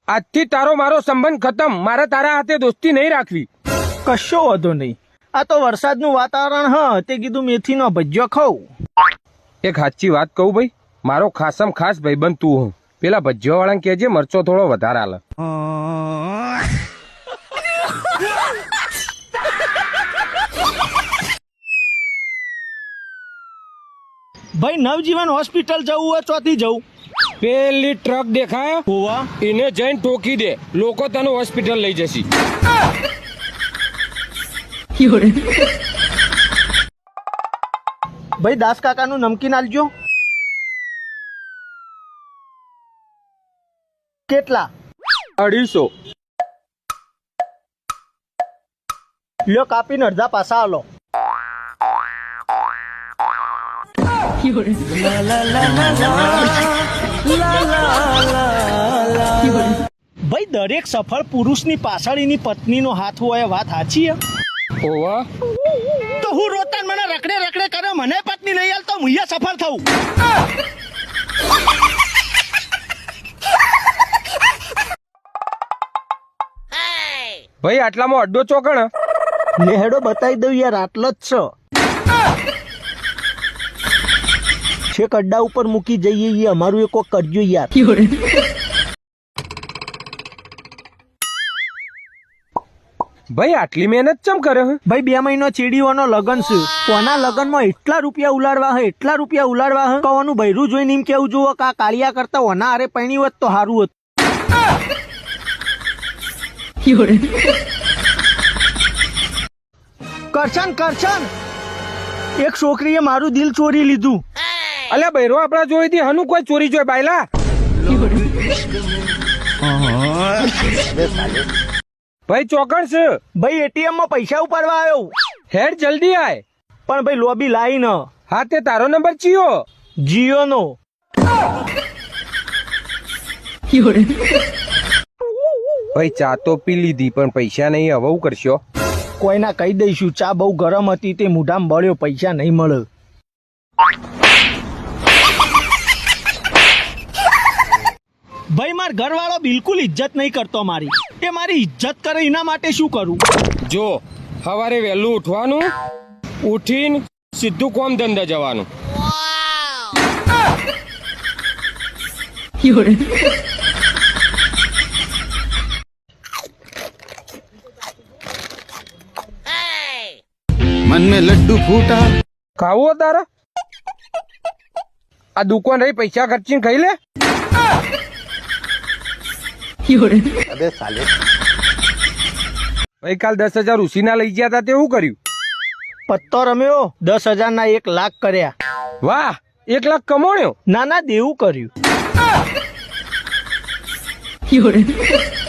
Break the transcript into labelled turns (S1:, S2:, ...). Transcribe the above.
S1: આજથી તારો મારો સંબંધ ખતમ. મારે તારા હાથે દોસ્તી નહીં રાખવી.
S2: કશો વાંધો નહીં. આ તો વરસાદનું વાતાવરણ હ તે કીધું મેથીનો ભજીયો ખાઉં.
S1: એક સાચી વાત કહું ભાઈ, મારો ખાસમ ખાસ ભાઈબંધ તું હું. પેલા ભજીયો વાળાને કહેજે મરચો થોડો વધારે આલે.
S2: ભાઈ નવજીવન હોસ્પિટલ જવું હોય ચોથી જવું?
S1: પેલી ટ્રક દેખાય
S2: હોવા
S1: એને જઈને ટોકી દે, લોકો તને હોસ્પિટલ લઈ જશે.
S2: ભાઈ દાસ કાકાનું નમકીન આલજો. કેટલા?
S1: 250.
S2: લ્યો કાપીને અડધા પાસા આલો. ભાઈ દરેક સફળ પુરુષની પાછળ એની પત્નીનો હાથ હોય, વાત સાચી હે?
S1: ઓવા
S2: તો હું રોતાન મને રખડે રખડે કરે, મને પત્ની નહીં આલતો હું અહીંયા સફળ થઉં.
S1: ભાઈ આટલામાં અડ્ડો ચોકણ.
S2: લેહેડો બતાવી દઉં યાર, આટલો જ છે. છેક અડ્ડા ઉપર મૂકી જઈએ એ અમારું એક કોક કરજો યાર.
S1: ભાઈ આટલી મહેનત ચમ કરે હે?
S2: ભાઈ 2 મહિનો ચીડીઓનો લગન છે. કોના લગનમાં એટલા રૂપિયા ઉલાડવા હે, એટલા રૂપિયા ઉલાડવા હે. કવાનું બૈરું જોઈને એમ કેવું જોવો કે આ કાળિયા કરતા ઓના હારે પૈણી હોત તો સારું હતું. કરશન એક છોકરીએ મારું દિલ ચોરી લીધું.
S1: અલ્યા બૈરો આપડા જોઈતી હનું કોઈ ચોરી જોઈ બાયલા. ભાઈ ચોકણ છે.
S2: ભાઈ એટીએમ માં પૈસા ઉપાડવા આવ્યો.
S1: હેડ જલ્દી આય.
S2: પણ ભાઈ લોબી લાઈ ન.
S1: હા તે તારો નંબર ચિયો?
S2: જીઓ નો.
S1: ભાઈ ચા તો પી લીધી પણ પૈસા નહીં, હવે હું કરશો?
S2: કોઈના કહી દઈશું ચા બહુ ગરમ હતી તે મોઢામાં બળ્યો, પૈસા નહીં મળે. ભાઈ માર ઘરવાળો બિલકુલ ઇજ્જત નહીં કરતો મારી. એ મારી ઇજ્જત કરે એના માટે શું કરું?
S1: જો સવારે વહેલું ઉઠવાનું, ઉઠીને સીધું કોમ ધંધા જવાનું.
S3: मन में लड्डू फूटा.
S1: ખાવું હો તારા? આ દુકાન રહી, પૈસા ખર્ચીને ખાઈ લે.
S3: अबे साले.
S1: ભાઈ કાલ 10,000 ઉસીના લઈ ગયા હતા તે શું કર્યું?
S2: પત્તો રમ્યો, 10,000 ના 1 લાખ કર્યા.
S1: વાહ, 1 લાખ કમાણ્યો.
S2: ના દેવું કર્યું.